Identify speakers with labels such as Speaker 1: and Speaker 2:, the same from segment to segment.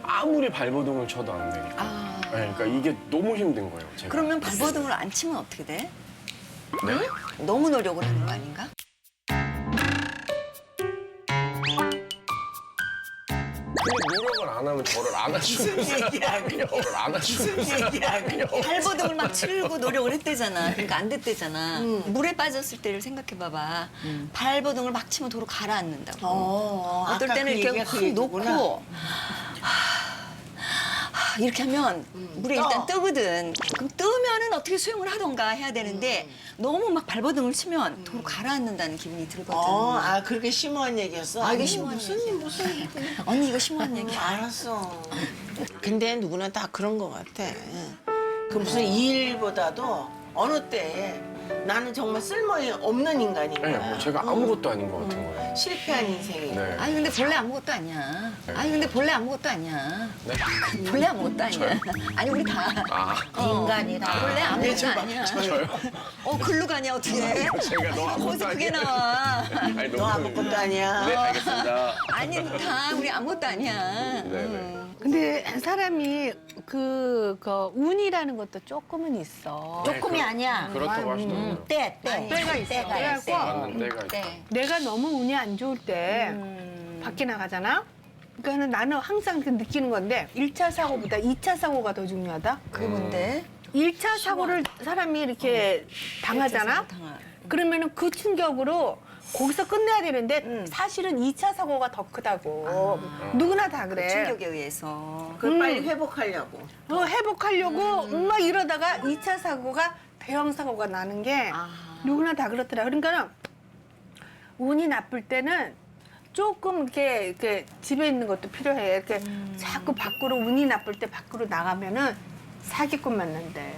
Speaker 1: 아무리 발버둥을 쳐도 안 되니까.
Speaker 2: 아.
Speaker 1: 네, 그러니까 이게 너무 힘든 거예요, 제가.
Speaker 2: 그러면 발버둥을 안 치면 어떻게 돼?
Speaker 1: 네?
Speaker 2: 너무 노력을 하는 거 아닌가?
Speaker 1: 근데 노력을 안 하면 저를 안 하시면서 저를 안 하시면서
Speaker 2: 발버둥을 막 치려고 노력을 했대잖아. 그러니까 안 됐대잖아. 물에 빠졌을 때를 생각해봐봐. 발버둥을 막 치면 도로 가라앉는다고. 어떨 때는 이렇게 확 놓고 이렇게 하면 물에 일단 뜨거든. 그럼 뜨면은 어떻게 수영을 하던가 해야 되는데 너무 막 발버둥을 치면 도로 가라앉는다는 기분이 들거든.
Speaker 3: 아 그렇게 심오한 얘기였어?
Speaker 2: 아, 이게
Speaker 3: 아니,
Speaker 2: 심오한
Speaker 3: 무슨
Speaker 2: 얘기야.
Speaker 3: 무슨
Speaker 2: 언니 이거 심오한 얘기야.
Speaker 3: 알았어. 근데 누구나 다 그런 것 같아. 그 무슨 일보다도 어느 때에 나는 정말 쓸모에 없는 인간인
Speaker 1: 네,
Speaker 3: 거야.
Speaker 1: 뭐 제가 아무것도 아닌 것 같은 거예요.
Speaker 3: 실패한 인생이.
Speaker 1: 네.
Speaker 2: 아니 근데 본래 아무것도 아니야. 아니 근데 본래 아무것도 아니야.
Speaker 1: 네?
Speaker 2: 본래 아무것도 아니야. 아니 우리 다
Speaker 1: 아,
Speaker 2: 인간이다. 본래 아무것도 아니야.
Speaker 1: 저요?
Speaker 2: 글로 가냐 어떻게?
Speaker 1: 제가 너 아무것도
Speaker 2: 거기서 그게
Speaker 1: 아니야.
Speaker 2: 나와.
Speaker 1: 아니,
Speaker 3: 너 아무것도 아니야.
Speaker 1: 네, 알겠습니다.
Speaker 2: 아니 다 우리 아무것도 아니야.
Speaker 1: 네, 네.
Speaker 4: 근데 사람이 그 운이라는 것도 조금은 있어.
Speaker 5: 조금이 아니야.
Speaker 1: 그렇다고 하시더라고요.
Speaker 4: 때가 있어.
Speaker 5: 때가 있어.
Speaker 1: 맞는 때가 있다.
Speaker 2: 네.
Speaker 4: 내가 너무 운이 안 좋을 때 밖에 나가잖아. 그러니까 나는 항상 그 느끼는 건데 1차 사고보다 2차 사고가 더 중요하다.
Speaker 2: 그게 뭔데?
Speaker 4: 1차 사고를 사람이 이렇게 당하잖아. 그러면은 그 충격으로 거기서 끝내야 되는데 사실은 2차 사고가 더 크다고. 누구나 다 그래.
Speaker 2: 충격에 의해서.
Speaker 3: 그걸 빨리 회복하려고.
Speaker 4: 회복하려고 막 이러다가 2차 사고가 대형 사고가 나는 게 누구나 다 그렇더라. 그러니까 운이 나쁠 때는 조금 이렇게 집에 있는 것도 필요해. 이렇게 자꾸 밖으로 운이 나쁠 때 밖으로 나가면은 사기꾼 만난대.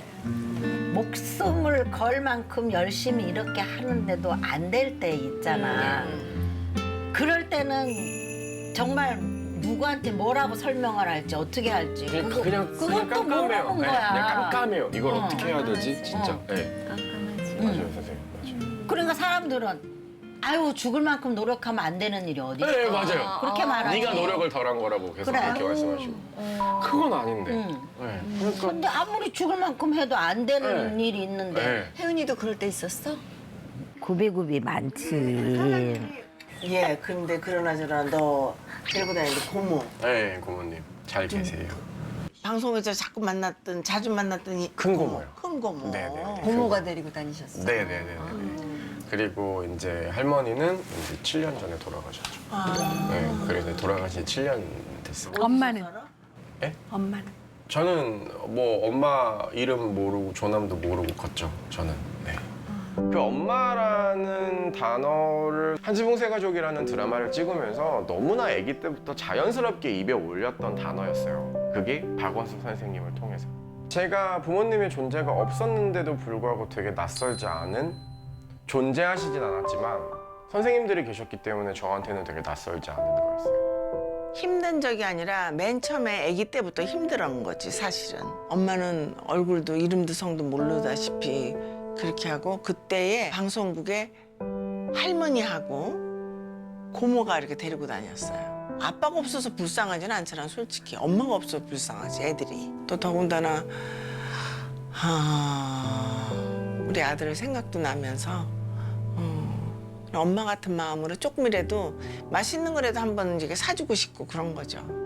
Speaker 5: 목숨을 걸 만큼 열심히 이렇게 하는데도 안 될 때 있잖아. 그럴 때는 정말 누구한테 뭐라고 설명을 할지 어떻게 할지
Speaker 1: 그냥
Speaker 5: 그것도
Speaker 1: 깜깜해요.
Speaker 5: 모르는
Speaker 1: 네,
Speaker 5: 거야.
Speaker 1: 그냥 깜깜해요. 이걸 어떻게 해야 되지? 진짜. 네.
Speaker 2: 깜깜하지.
Speaker 1: 맞아요, 선생님. 맞아요.
Speaker 5: 그러니까 사람들은 아유 죽을 만큼 노력하면 안 되는 일이 어디 있어.
Speaker 1: 네, 맞아요.
Speaker 5: 그렇게 말하지.
Speaker 1: 네가 노력을 덜한 거라고 계속
Speaker 5: 그래.
Speaker 1: 그렇게 말씀하시고. 그건 아닌데. 네. 그러니까.
Speaker 5: 근데 아무리 죽을 만큼 해도 안 되는
Speaker 1: 네.
Speaker 5: 일이 있는데
Speaker 1: 네.
Speaker 2: 혜은이도 그럴 때 있었어?
Speaker 5: 구비구비 많지.
Speaker 3: 예, 근데 그러나저나 너 데리고 다니는 고모.
Speaker 1: 네, 고모님. 잘 계세요.
Speaker 3: 방송에서 자주 만났던 이
Speaker 1: 큰 고모요.
Speaker 3: 큰 고모.
Speaker 1: 네네.
Speaker 2: 고모가 데리고 다니셨어?
Speaker 1: 네네네. 그리고 이제 할머니는 이제 7년 전에 돌아가셨죠. 네, 그래서 돌아가신 7년 됐어요.
Speaker 4: 엄마는?
Speaker 1: 예?
Speaker 4: 엄마는?
Speaker 1: 저는 뭐 엄마 이름 모르고 조남도 모르고 컸죠. 저는. 네. 그 엄마라는 단어를 한지붕 세가족이라는 드라마를 찍으면서 너무나 아기 때부터 자연스럽게 입에 올렸던 단어였어요. 그게 박원숙 선생님을 통해서. 제가 부모님의 존재가 없었는데도 불구하고 되게 낯설지 않은 존재하시진 않았지만 선생님들이 계셨기 때문에 저한테는 되게 낯설지 않은 거였어요.
Speaker 3: 힘든 적이 아니라 맨 처음에 아기 때부터 힘들었던 거지 사실은. 엄마는 얼굴도 이름도 성도 모르다시피 그렇게 하고 그때에 방송국에 할머니하고 고모가 이렇게 데리고 다녔어요. 아빠가 없어서 불쌍하지는 않잖아 솔직히. 엄마가 없어서 불쌍하지 애들이. 또 더군다나 우리 아들 생각도 나면서 엄마 같은 마음으로 조금이라도 맛있는 거라도 한번 이렇게 사주고 싶고 그런 거죠.